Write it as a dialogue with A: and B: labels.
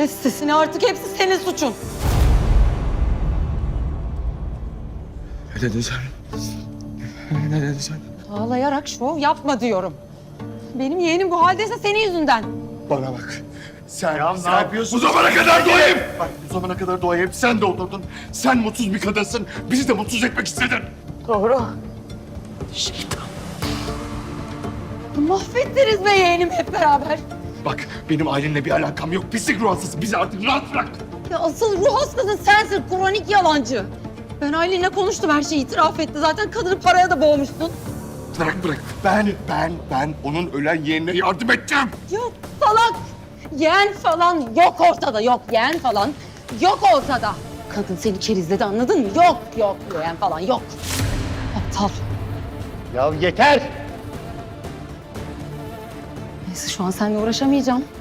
A: Kes sesini artık, hepsi senin suçun.
B: Ne dedin sen? Ne dedin sen?
A: Ağlayarak şov yapma diyorum. Benim yeğenim bu haldeyse senin yüzünden.
C: Bana bak. Sen
D: Ya
C: ne
D: ne
C: yapıyorsun?
D: Bu zamana kadar doğayım.
C: Bak bu zamana kadar doğayı hep sen doldurdun. Sen mutsuz bir kadınsın. Bizi de mutsuz etmek istedin.
A: Doğru.
C: Şeytan.
A: Mahvettiniz be yeğenim hep beraber.
C: Bak benim ailenle bir alakam yok. Pislik ruh hastası. Bizi artık rahat bırak.
A: Ya asıl ruh hastası sensin, kronik yalancı. Ben Aylin'le konuştum, her şeyi itiraf etti. Zaten kadını paraya da boğmuşsun.
C: Bırak. Ben onun ölen yeğenine yardım edeceğim.
A: Yok salak. Yeğen falan yok ortada, yok yeğen falan yok ortada. Kadın seni kerizledi, anladın mı? Yok yeğen falan yok. Aptal.
D: Ya yeter.
A: Neyse şu an seninle uğraşamayacağım.